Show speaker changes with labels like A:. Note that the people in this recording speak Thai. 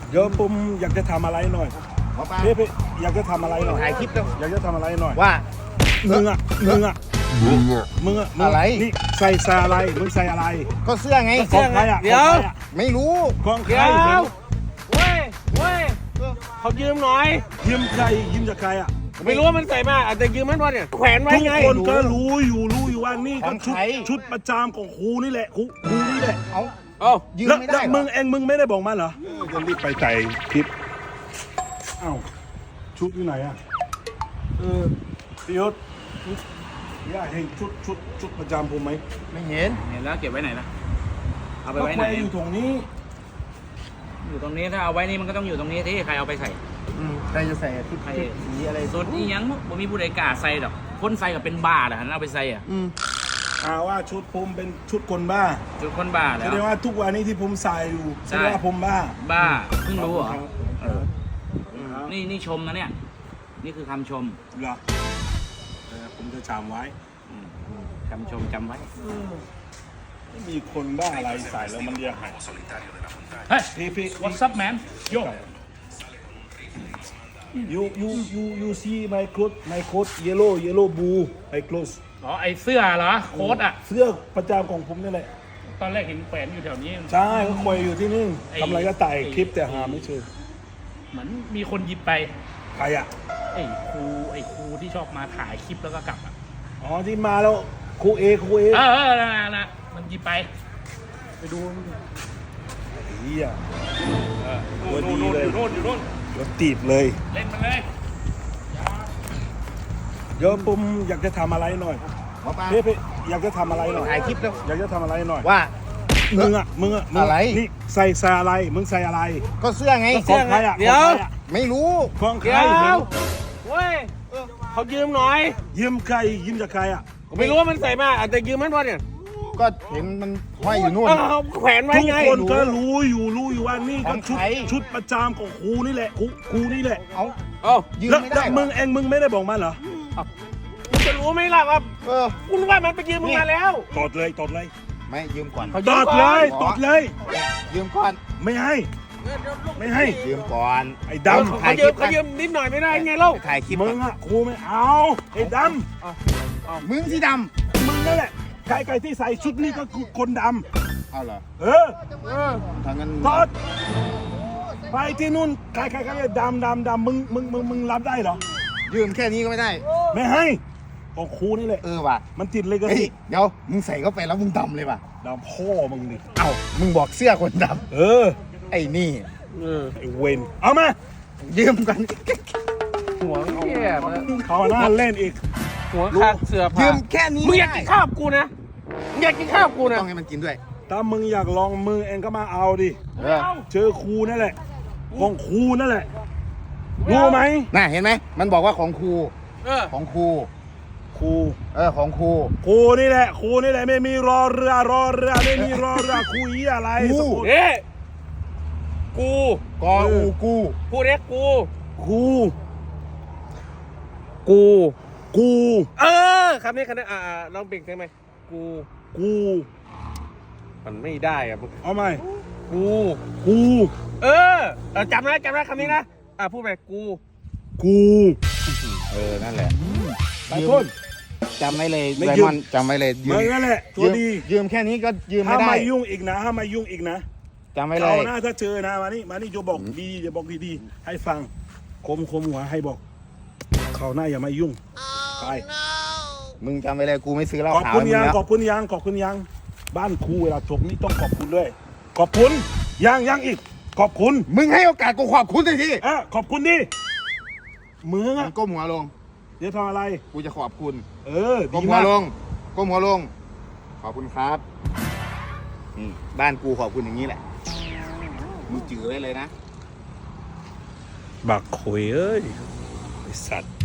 A: เดี๋ยวผมอยากจะทำอะไรหน่อยพี่อยากจะทำอะไรหน่อย
B: ถ่ายคลิปแล้ว
A: อยากจะทำอะไรหน่อย
B: ว่า
A: มึง
B: อะไร
A: นี่ใส่อะไรมึงใส่อะไร
B: ก็เสื้อไง
A: ของใครอ่ะ
C: เดี๋ยว
B: ไม่รู้
A: ของใคร
C: เดี๋ยวเว้ยเขายืมหน่อย
A: ยืมใครยืมจากใครอ่ะ
C: ไม่รู้ว่ามันใส่มาอาจจะยืมมันวะเนี่ยแขวนไว้
A: ทุก
C: ไง
A: คนก็รู้อยู่ว่านี่
B: ข
A: ก็
B: อง
A: ชุด
B: ใคร
A: ชุดประจำของครูนี่แหละครูนี่แหละ
B: เอา
C: เอ้า
B: ยืม
A: แล้ว
B: ไม่
A: แล้
B: ได้
A: ว
B: เหร
A: มึ
B: อง
A: เองมึงไม่ได้บอกมันเหรอจะรีบไปใส่คลิปอ้าวชุดอยู่ไหนอ่ะพี่ยศอยากเห็นชุดประจำผมไหม
B: ไม่เห็น
D: เห็นแล้วเก็บไว้ไหนล่ะ เอาไป
A: ก็
D: ไว้
A: แข
D: ไหน
A: วนอยู่ตรงนี้
D: อยู่ตรงนี้ถ้าเอาไว้นี่มันก็ต้องอยู่ตรงนี้ที่ใครเอาไปใส่
B: ใครจะใส่ชุดสีอะไร
D: ส่วนนี้ยังบ่มีผู้ใดกล้าใส่ดอกคนใส่กับเป็นบ้าเหรอหันเอาไปใส่อ่ะ
A: ว่าชุดผมเป็นชุดคนบ้า
D: จุดคนบ้า
A: แส
D: แล้ว
A: ดงว่าทุกวันนี้ที่ผมใส่อยู่แส
D: ใช่
A: ดงว่าผมบ้า
D: บ้าเพิ่งรู้เหรอ
A: เออ
D: นี่ชมนะเนี่ย นี่คือคำชม
A: เหรอผมจะจำไว้
D: คำชมจำไว้
A: ไม่มีคนบ้าอะไรใส่แล้วมันเรียกหาย
D: เฮ้ย
A: พี่
D: what's up man yo
A: you see my clothes yellow blue my clothes
E: อ๋อไอเสื้อเหรอโค้ดอ่ะ
A: เสื้อประจำของผมนี่แหละ
E: ตอนแรกเห็นแขวนอยู่แถวนี้
A: ใช่ก็ควยอยู่ที่นี่
E: ไอ้
A: ทำอะไรก็ไต่คลิปแต่หาไม่เจอ
E: เหมือนมีคนหยิบไป
A: ใครอ่ะ
E: ไอครูที่ชอบมาถ่ายคลิปแล้วก็กลับอ่ะ
A: อ๋อที่มาแล้วครูเอ
E: นะมันหยิบไป ไปดู
A: เฮีย
E: ตัวดีเลยอยู่โน่น
A: รถตีบเลย
E: เล่นมันเลย
A: เดี๋ยวผมอยากจะทำอะไรหน่อย
B: หมอปลา
A: พี่อยากจะทำอะไรหน่อย
B: ถ่ายคลิปแล้ว
A: อยากจะทำอะไรหน่อย
B: ว่า
A: มึงอะไรนี่ใส่อะไรมึงใส่อะไร
B: ก็เสื้อไง
A: ของใครอ่ะ
C: เดี๋ยว
A: ของใครอะ
B: ไม่รู้
A: ของใคร
C: เดี๋ยวเว้ยเขายืมหน่อย
A: ยืมใครยืมจากใครอ่ะ
C: ไม่รู้ว่ามันใส่มาอาจจะยืมมันวะเนี่ย
B: ก็เห็นมันห้อยอยู่นู่น
C: เขาแขวนไว้
A: ทุก
C: ไง
A: คนก็รู้อยู่ว่านี่ก็
B: ของ
A: ชุด
B: ใคร
A: ชุดประจำของครูนี่แหละครูนี่แหละ
B: เอา
C: เอ้า
B: ยืม
A: แล้ว
B: ไม่ได้เหรอ
A: มึงไม่ได้บอกมันเหรอ
C: คุณจะรู้ไหมล่ะว่า
B: เออ
C: คุณว่ามันไปยืมมึงมาแล้ว
A: ตดเลย
B: ไม่ยืมก่อน
C: เขา
A: ต
C: ยืม
A: ด
C: ก่
A: เล
C: อน
A: ยตดเลย
B: ยืมก่อน
A: ไม่ให้
B: ยืมก่อน
A: ไอ้
C: เขา
A: ดำ
C: เขายืมนิดหน่อยไม่ได้ไงเล่า
B: ถ่ายคลิป
A: มึงอ่ะครูไม่เอาไอ้ด
B: มึงสีด
A: ำมึงนั่นแหละใครที่ใส่ชุดนี้ก็คือคนด
B: ำเอาเหรอ
A: ำ
B: ทางนั้น
A: ตดไปที่นู่นใครดำมึงรับได้เหรอ
B: ยืมแค่นี้ก็ไม่ได้
A: ไม่ให้ของครูนี่แหละ
B: ว่ะ
A: มันติดเลยก็
B: เฮ้ย
A: สิ
B: เดี๋ยวมึงใส่เข้าไปแล้วมึงดำเลยว่ะ
A: ดำพ่อมึงดิ
B: เอ้ามึงบอกเสื้อคนด
A: เออ
B: ำไอ้นี่
A: ไอ้เวนเอามา
B: ยืมกัน
C: หัวเหี้ยมา
A: เขาหน้าเล่นอีก
C: หัวขาดเสื้อ
B: ยื
C: ผ้าม
B: แค่นี้
C: มึงอยากกินข้าวกับกูนะมึงอยากกินข้าวกับกูนะ
B: ต้องให้มันกินด้วย
A: ถ้ามึงอยากลองมือเองก็มาเอาดิ
B: เออ
A: เจอครูนั่นแหละของครูนั่นแหละรู้ไหม
B: น่าเห็นไหมมันบอกว่าของครู ของครู
A: ครู
B: ของครู
A: ครูนี่แหละไม่มีรอเรือไม่มีรอเรือครูอีอะไร
B: ครู
A: สะกด
C: เอ๊ะกู
B: กออูกู
C: พูดเรียกกู
A: ครู
C: กู
A: กู
C: คำนี้ลองเปลี่ยนได้ไหมกู
A: กู
C: มันไม่ได้อะ
A: เอาไหม
C: กู
A: กู
C: จำได้คำนี้นะพูดไปกู
A: กู
B: นั่นแหละ
A: ไปต้น
B: จำไว้เลย
A: ไม่
B: ได
A: ยืม
B: มอนด์จำไว้เลย
A: มึงนั่นแหละตัวดี
B: ยืมแค่นี้ก็ยืมไม่
A: ห้าม
B: ได้
A: มายุ่งอีกนะห้ามมายุ่งอีกนะ
B: จำไว้เล
A: เอา
B: ย
A: หน้าถ้าเจอนะมานี่จะบอกดีจะบอกดีๆให้ฟังคมหัวให้บอกเขาหน้าอย่ามายุ่งไป
B: มึงจำไว้เลยกูไม่ซื้อเหล้า
A: ขอบ
B: ขาว
A: คุณ
B: ให้มึง
A: ยัง
B: แล้ว
A: ขอบคุณยังบ้านครูเวลาจบนี่ต้องขอบคุณด้วย ขอบคุณยังอีก ขอบคุณ
B: มึงให้โอกาสกูขอบคุณหน่อยที
A: ขอบคุณดิมึง
B: มึ
A: อะ
B: งก้มหัวลง
A: เดี๋ยวทำอะไร
B: กูจะขอบคุณ
A: ดี
B: ก้มหัว
A: มาก
B: ลงก้มหัวลง ขอบคุณครับนี่บ้านกูขอบคุณอย่างนี้แหละมึงจือไว้เลยนะ
A: บักคุยเอ้ยไอสัตว์